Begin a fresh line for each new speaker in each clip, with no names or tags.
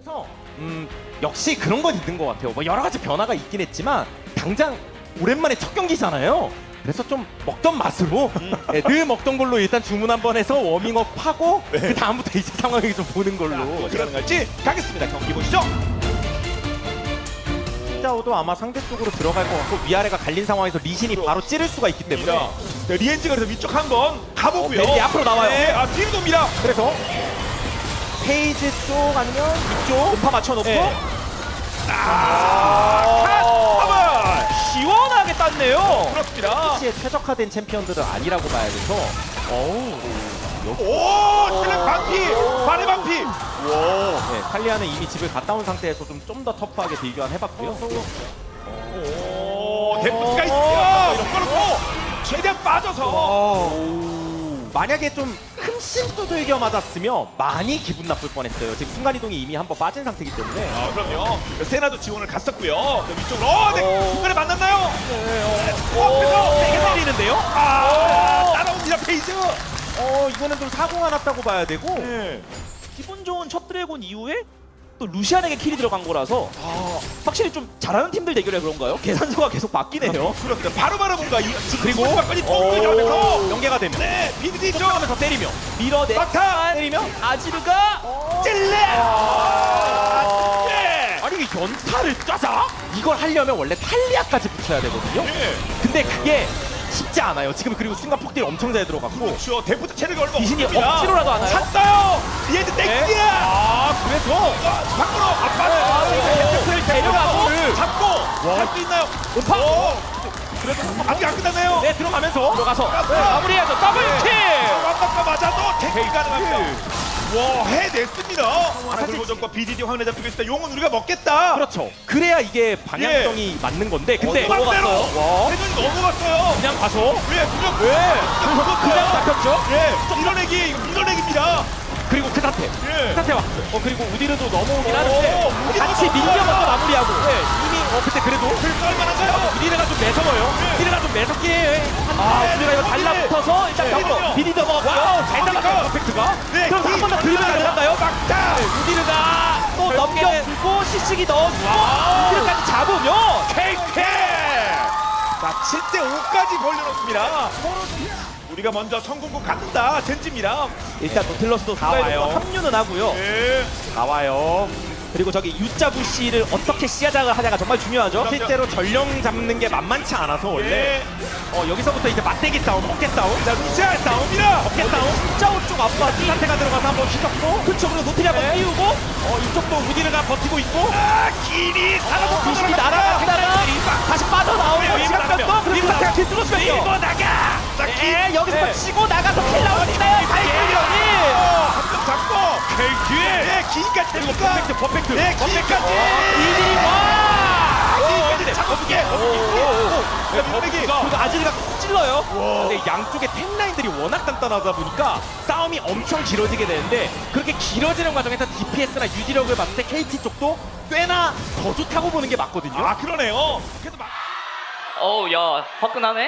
그래서 역시 그런 건 있는 것 같아요. 뭐 여러 가지 변화가 있긴 했지만 당장 오랜만에 첫 경기잖아요. 그래서 좀 먹던 맛으로 네, 늘 먹던 걸로 일단 주문 한번 해서 워밍업 하고 그 다음부터 이제 상황을 좀 보는 걸로.
어떻게 가능할지 가겠습니다. 경기 보시죠.
짜오도 아마 상대 쪽으로 들어갈 것 같고 위아래가 갈린 상황에서 리신이 바로 찌를 수가 있기 때문에
네, 리엔지가 그래서 위쪽 한번 가보고요.
벨리 앞으로 나와요.
네, 뒤로 돕니다.
그래서 페이지 쪽 아니면 이쪽 음파 맞춰놓고
한번
시원하게 땄네요.
그렇습니다.
시에 최적화된 챔피언들은 아니라고 봐야 돼서
오, 실력 반피, 발의 반피.
네, 칼리아는 이미 집을 갔다 온 상태에서 좀 더 터프하게 딜교환 해봤고요.
오, 데프트가 있어요. 이런 거로 최대한 빠져서.
만약에 좀 흠씬 두들겨 맞았으면 많이 기분 나쁠 뻔했어요. 지금 순간이동이 이미 한번 빠진 상태이기 때문에.
그럼요. 세나도 지원을 갔었고요. 위쪽으로. 네, 중간에 만났나요? 앞에서
세게 때리는데요.
따라옵니다 페이즈.
이거는 좀 사고가 났다고 봐야 되고.
네.
기분 좋은 첫 드래곤 이후에 또 루시안에게 킬이 들어간 거라서 확실히 좀 잘하는 팀들 대결에 그런가요? 계산서가 계속 바뀌네요.
그렇습니다. 바로바로 뭔가
그리고
빨리 통을 잡면서
연계가 됩니다.
네, 비디디 쪽
하면서 때리며
밀어내
막타
때리며 아지르가
찔레.
아니 이게 연타를 짜자? 이걸 하려면 원래 탈리아까지 붙여야 되거든요. 근데 그게 쉽지 않아요. 지금 그리고 순간 폭딜 엄청 잘 들어갔고.
그렇죠. 데프트 체력이 얼마
귀신이
없습니다.
억지로라도 하나요?
찼어요. 리엔드 땡기야.
그래서
밖으로 앞바로
데프트를 데려가고
잡고 할 수 있나요?
음파!
그래도 아직 안 끝났네요.
네 들어가면서 들어가서 마무리해야죠. 더블킬!
완박과 맞아도 택이 가능합니다. 와, 해냈습니다. 사실 도전과 BDD 화면에 잡히고 있습니다. 용은 우리가 먹겠다.
그렇죠. 그래야 이게 방향성이 맞는 건데. 근데
넘어갔어요.
와.
세준이 넘어갔어요.
그냥 가서
왜?
그냥 잡혔죠.
예, 밀어내기, 이거 밀어내기입니다.
그리고 그 상태.
예.
그 상태 왔어요. 그리고 우디르도 넘어오긴
오,
하는데
우디르
같이
넘어가요.
밀려 먼저 마무리하고. 네, 이미 그때 그래도
쓸만한가요?
우디르가 좀 매서워요. 우디르가 좀 매섭게 우디르가 이거 달라붙어서 일단
네.
잡고 비디 넘어갔고요.
와우,
잘 잡았어요. 퍼펙트가.
네,
그럼 한 번 더 들면 가능한가요?
막타.
우디르가
또 넘겨주고 시식이 넣어주고 우디르까지 잡으면
KK! 자, 7대5까지 벌려놓습니다. 우리가 먼저 성공국 갖는다. 젠지입니다.
일단 노틸러스도
나와요.
합류는 하고요.
예.
나와요.
그리고 저기 유자 부시를 어떻게 시야작을 하냐가 정말 중요하죠.
실제로 전령 잡는 게 만만치 않아서 원래
예.
여기서부터 이제 맞대기 싸움, 어깨 싸움,
자, 루시아 싸움이다.
어깨 싸움.
진짜 오쪽 앞바지
상태가 들어가서 한번 휘젓고
그쵸. 그리고 노틸이 한번 띄우고
이쪽도 우디르가 버티고 있고
길이 살아서
귀신이 날아가다가 다시 빠져나오고
네,
시간
밀고
뺐고 그리고
나가요.
길 뚫어주면요.
밀고 나가. 자,
예, 여기서 치고 나가서 킬 나오니까요. 발길력이
한명 잡고. 네, 길까지 됩니까?
퍼펙트.
네, 길까지.
이리 와.
길까지 잡아주게. 자, 밀어내기.
그리고 아지르가 콕 찔러요.
근데 양쪽의 탱라인들이 워낙 단단하다 보니까 싸움이 엄청 길어지게 되는데 그렇게 길어지는 과정에서 DPS나 유지력을 봤을 때 KT 쪽도 꽤나 더 좋다고 보는 게 맞거든요.
아, 그러네요. 그래도 막.
어우 야 화끈하네.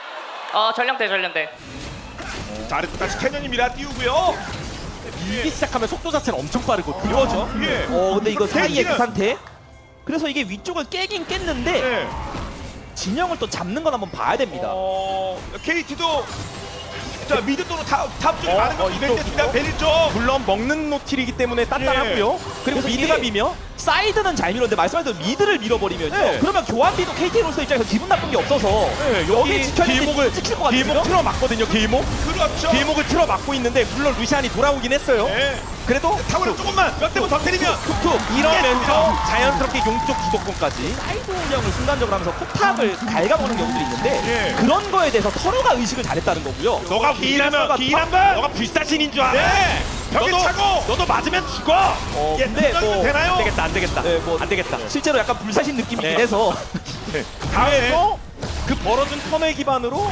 전령대.
자, 아래쪽 다시 캐년입니다. 띄우고요.
밀기 시작하면 속도 자체는 엄청 빠르거든요.
그거죠.
예.
근데 이거 사이에
KT 는
그 상태. 그래서 이게 위쪽을 깨긴 깼는데
네.
진영을 또 잡는 건 한번 봐야 됩니다.
KT도 자, 미드 또는 탑 쪽에 많은 걸
이쪽,
이벤트입니다. 베릴 쪽.
물론 먹는 노틸이기 때문에 단단하고요. 그리고
그래서
미드가
이게
미며
사이드는 잘 밀었는데 말씀하신 대로 미드를 밀어버리면요.
네.
그러면 교환비도 KT로서 입장에서 기분 나쁜 게 없어서 여기 지켜야 되는데 찍힐 것 같거든요.
길목 틀어 맞거든요. 길목.
그렇죠.
길목을 틀어 막고 있는데 물론 루시안이 돌아오긴 했어요.
네.
그래도
타워를 조금만 몇 대만 더 때리면
툭툭 이러면서 자연스럽게 용쪽 주도권까지.
사이드 운영을 순간적으로 하면서 포탑을 갉아보는 경우들이 있는데
예.
그런 거에 대해서 서로가 의식을 잘했다는 거고요.
너가 기인한번
너가 불사신인 줄 알아.
네. 벽에
너도-
차고
너도 맞으면 죽어.
근데 뭐
되나요?
안 되겠다.
네, 뭐
안 되겠다.
실제로 약간 불사신 느낌이긴
네.
해서
다음에
그 벌어준 턴을 기반으로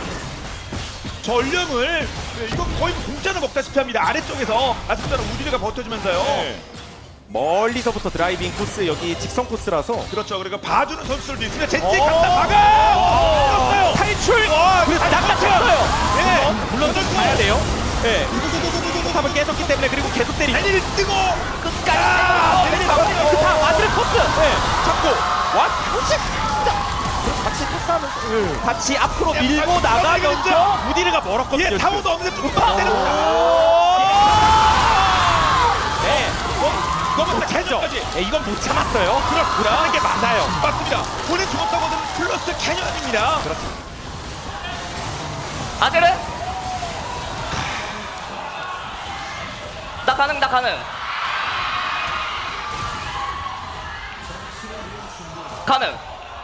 전령을 이거 거의 공짜로 먹다시피 합니다. 아래쪽에서 아스프다는 우디르가 버텨주면서요.
멀리서부터 드라이빙 코스 여기 직선 코스라서
그렇죠. 그리고 봐주는 선수들도 있으면 젠지 갖다 막아.
탈출!
그래서
낚아챘어요!
예.
물론 좀 가야 돼요. 예. 탑을 깨졌기 때문에 그리고 계속 때리고
달리를 뜨고
끝까지!
아,
막아내요. 그 다음 아들 코스.
잡고 와 표식 진짜 같이 패스하면서
같이 앞으로 밀고
빨리
나가면서
무디르가 멀었거든요.
예,
지금.
타워도 없는데 조금 더 때려.
네.
너무 캐년까지.
예, 이건 못 참았어요. 못하는 게 맞아요.
맞습니다. 본인 죽었다고는 플러스 캐년입니다.
아들은? 나 가능. 가능.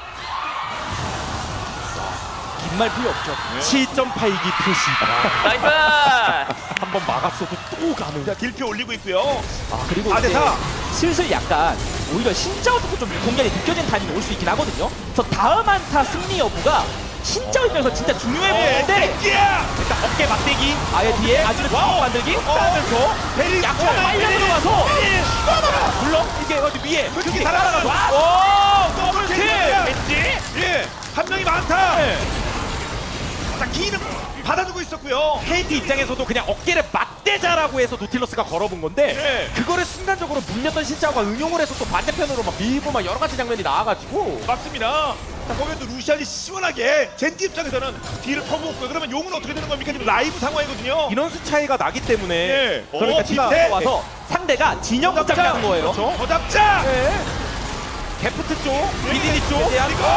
긴 말 필요 없죠.
7.8기 표시.
나이스.
한번 막았어도 또 가는.
자, 딜표 올리고 있고요.
그리고
아,
이제
대사.
슬슬 약간 오히려 신짜오부터 좀 공격이 느껴지는 타이밍이 올 수 있긴 하거든요. 그래서 다음 한타 승리 여부가 신짜오 입장에서 진짜 중요해 보이는데
땡기야.
일단 어깨 맞대기.
아예 뒤에 아주를
와우.
만들기
하면서 베리
약간 빨려 들어가서
물론 이게 어디 위에
그렇게 살아나가서
와
더블킬.
왠지
예, 한 명이 많다. 자, 기는 받아주고 있었고요.
KT 입장에서도 그냥 어깨를 맞대자라고 해서 노틸러스가 걸어본 건데
네.
그거를 순간적으로 물렸던 신짜오가 응용을 해서 또 반대편으로 막 밀고 막 여러 가지 장면이 나와가지고
맞습니다. 자, 거기에 또 루시안이 시원하게 젠티 입장에서는 뒤를 퍼부었고요. 그러면 용은 어떻게 되는 겁니까? 지금 라이브 상황이거든요.
인원수 차이가 나기 때문에
예.
그러니까
오,
티가
밑에.
와서 상대가 진영
더
붙잡기 하는 거예요.
그렇죠.
더 잡자.
데프트 쪽, BDD 쪽
대한
그리고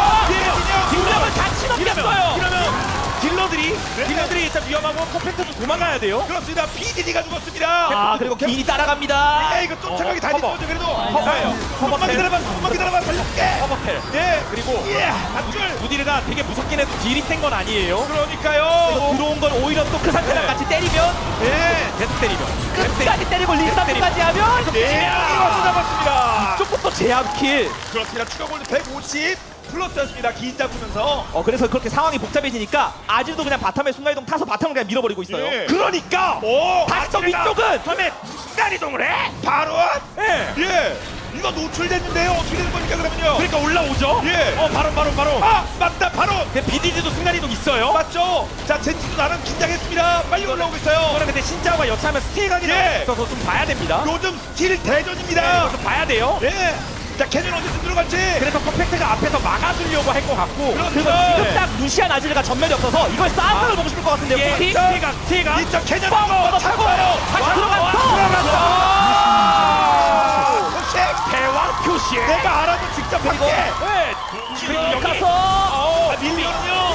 딜러를 같이 넘겼어요.
이러면
딜러들이
네.
딜러들이 일단 위험하고 퍼펙트도 도망가야 돼요.
그렇습니다. BDD가 죽었습니다.
아 그리고 기인이 따라갑니다.
예, 이거 쫓아가기 다리
커버.
거죠. 그래도
커버예요.
조금만 기다려봐. 조금만 기다려봐. 살릴게.
커버펠.
예,
그리고
예, 한 줄.
무디르가 되게 무섭긴 해도 딜이 센 건 아니에요.
그러니까요.
들어온 건 오히려 또 그 상태랑
네.
같이 때리면
예,
계속 때리면
끝까지 때리고 리스타트까지 하면
네, 이거 잡았습니다.
조금 제압킬.
그렇습니다. 추가 골드 150 플러스였습니다. 긴 잡으면서.
그래서 그렇게 상황이 복잡해지니까 아직도 그냥 바텀에 순간이동 타서 바텀을 그냥 밀어버리고 있어요.
예.
그러니까
오,
다시 또
아찔하다.
위쪽은
처음에 순간 이동을 해.
바로.
예.
예. 이거 노출됐는데요. 어떻게 되는 겁니까 그러면요?
그러니까 올라오죠.
예.
바로.
아, 맞다. 바로.
BDD도 순간 이동 있어요.
맞죠? 자, 젠지도 나름 긴장했습니다. 빨리 올라오고 있어요.
그러나 근데 신짜오가 여차하면 스틸 각이
예.
있어서 좀 봐야 됩니다.
요즘 스틸 대전입니다.
이것도 봐야 돼요.
예. 자, 캐년 언제쯤 들어갈지.
그래서 퍼펙트가 앞에서 막아주려고 할 것 같고.
그렇죠.
그리고 지금 딱 루시안 아즈르가 전멸이 없어서 이걸 싸움을 보고 싶을 것 같은데요.
예.
킥.
스틸가.
이쪽 캐년
뻥!
한번
차고!
잡아요.
다시 들어갔어!
혹시
대왕 표시.
내가 알아도 직접 할게.
네.
그리고 가서
밀리거든요.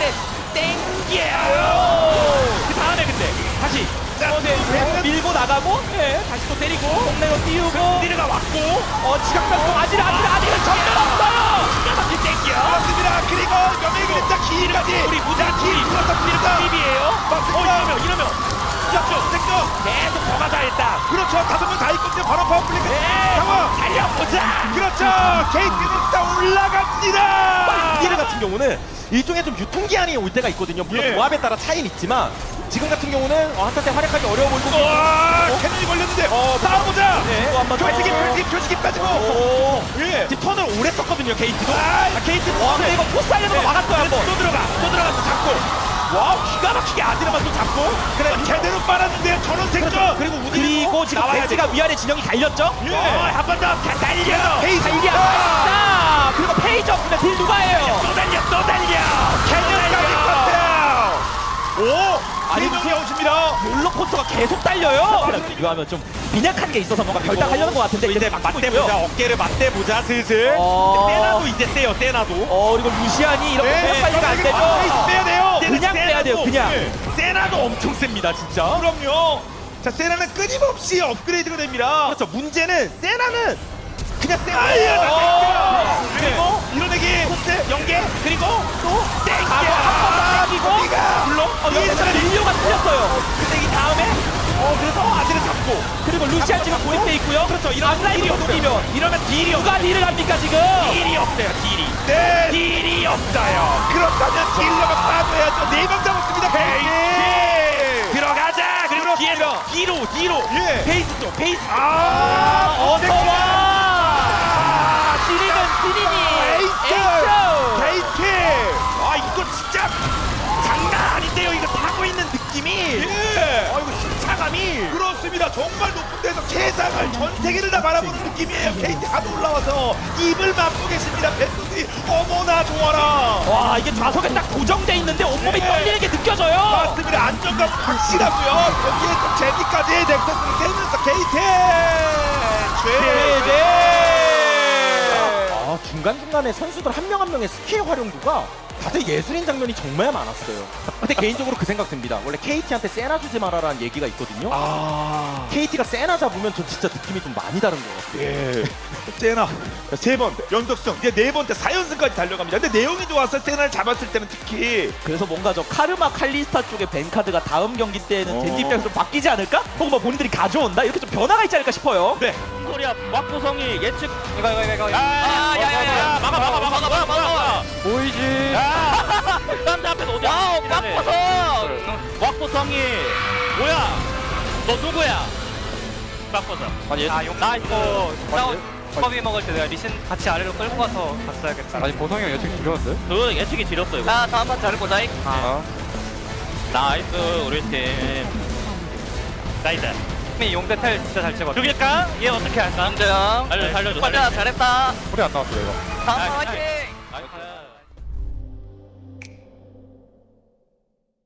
그 다음에 근데 다시
밀고 나가고 다시 또 때리고 동네로 띄우고
무디르가 왔고.
지각병 아즈르 전멸 없어요.
그렇습니다. 그리고 연예인 그림자 기까지.
우리 무디르
기 플러스 기입니다.
팁이에요.
맞습니다.
이러면
죠 땡겨.
계속 더 가자 일단.
그렇죠. 5명 다 있거든요. 바로 파워플레이 상황.
달려보자.
그렇죠. KT는 다 올라갑니다.
무디르 같은 경우는 일종의 좀 유통기한이 올 때가 있거든요. 물론
예.
조합에 따라 차이는 있지만 지금 같은 경우는 한타 때 활약하기 어려워 보이고.
와, 캐논이 걸렸는데 싸워보자.
네.
한번 더.
표식이 빠지고.
오.
예.
지금 턴을 오래 썼거든요. KT도.
아,
KT
와 근데 이거 포스 하려는 거 막았어요 한번.
또 들어가서 잡고. 와 기가 막히게 아드레만 또 잡고.
그래 제대로 빨았는데 전원 생존.
그리고 우디
그리고 지금 벤지가 위아래 진영이 달렸죠?
예.
한 번 더 달려.
페이지.
달리야 자 그리고 페이지 없으면 딜 누가 해요?
또 달려.
캐년까지 컸어요. 오,
아니,
3명이 오십니다.
롤러코스터가 계속 달려요. 이거 하면 좀 빈약한 게 있어서 뭔가 결단하려는 것 같은데
이제 막 맞대보자. 어깨를 맞대보자 슬슬.
어.
세나도 이제 세요. 세나도.
그리고 루시안이 이렇게
네,
빨리가 안 되죠?
페이지 빼야 돼요.
그냥 빼야 돼요, 그냥.
세나도 엄청 셉니다 진짜.
그럼요. 자, 세나는 끊임없이 업그레이드가 됩니다.
그렇죠. 문제는 세나는 그냥 세나.
그리고
밀어내기. 코스 연계. 그리고 또 땡겨.
한번 땡기고
물론
여기서 릴리오가 틀렸어요.
근데 이 다음에 그래서 아들을 잡고.
그리고 루시안 지금 고립돼 있고요.
그렇죠.
앞라인이 녹이면
이러면 딜이
누가 딜을 합니까 지금?
딜이 없어요. 딜이.
네.
딜이 없어요.
그렇다면 딜러가 빠져야죠. 4명 잡았습니다. 페이지.
들어가자. 그리고 뒤에서 뒤로.
예.
페이스 쪽. 페이스.
어서와. 시리니.
KT.
아 이거 진짜 장난 아닌데요. 이거 타고 있는 느낌이.
예.
이거 승차감이.
그렇습니다. 정말 높은 계속 세상을 전 세계를 다 바라보는 느낌이에요. KT 하도 올라와서 입을 막고 계십니다. 벤투들이 어머나 좋아라.
와 이게 좌석에 딱 고정돼 있는데 온몸이
네.
떨리는 게 느껴져요.
맞습니다. 안정감 확실하고요. 거기에 또 제니까지 넥서스를 깨면서 KT
아, 중간중간에 선수들 한 명 한 명의 스킬 활용도가 다들 예술인 장면이 정말 많았어요. 근데 개인적으로 그 생각 듭니다. 원래 KT한테 세나 주지 말아라는 얘기가 있거든요.
아,
KT가 세나 잡으면 전 진짜 느낌이 좀 많이 다른 것 같아요.
예. 세나 3번 연속승 이제 4번째 4연승까지 달려갑니다. 근데 내용이 좋아서 세나를 잡았을 때는 특히
그래서 뭔가 저 카르마 칼리스타 쪽의 벤카드가 다음 경기 때는 젠지 입장에서 좀 바뀌지 않을까? 혹은 뭐 본인들이 가져온다? 이렇게 좀 변화가 있지 않을까 싶어요.
네.
소리야 왁구성이 예측 이거
야야야야
막아 보이지 딴데 앞에서 어디
와우 빡쳐서
왁구성이 뭐야 너 누구야 왁구성 아니 나 이거
컵이 먹을 때 내가 리신 같이 아래로 끌고 가서 갔어야겠다.
아니 보성이 형 예측 지렸는데? 그 예측이 지렸어 이거
자 다음 판 잘 보자.
나이스 우리 팀 나이스
용대 텔 진짜 잘 찍었어.
죽일까? 얘 어떻게 할까?
남자형
살려줘
빨리 잘했다.
소리 안 나왔어 이거
다음 판 화이팅.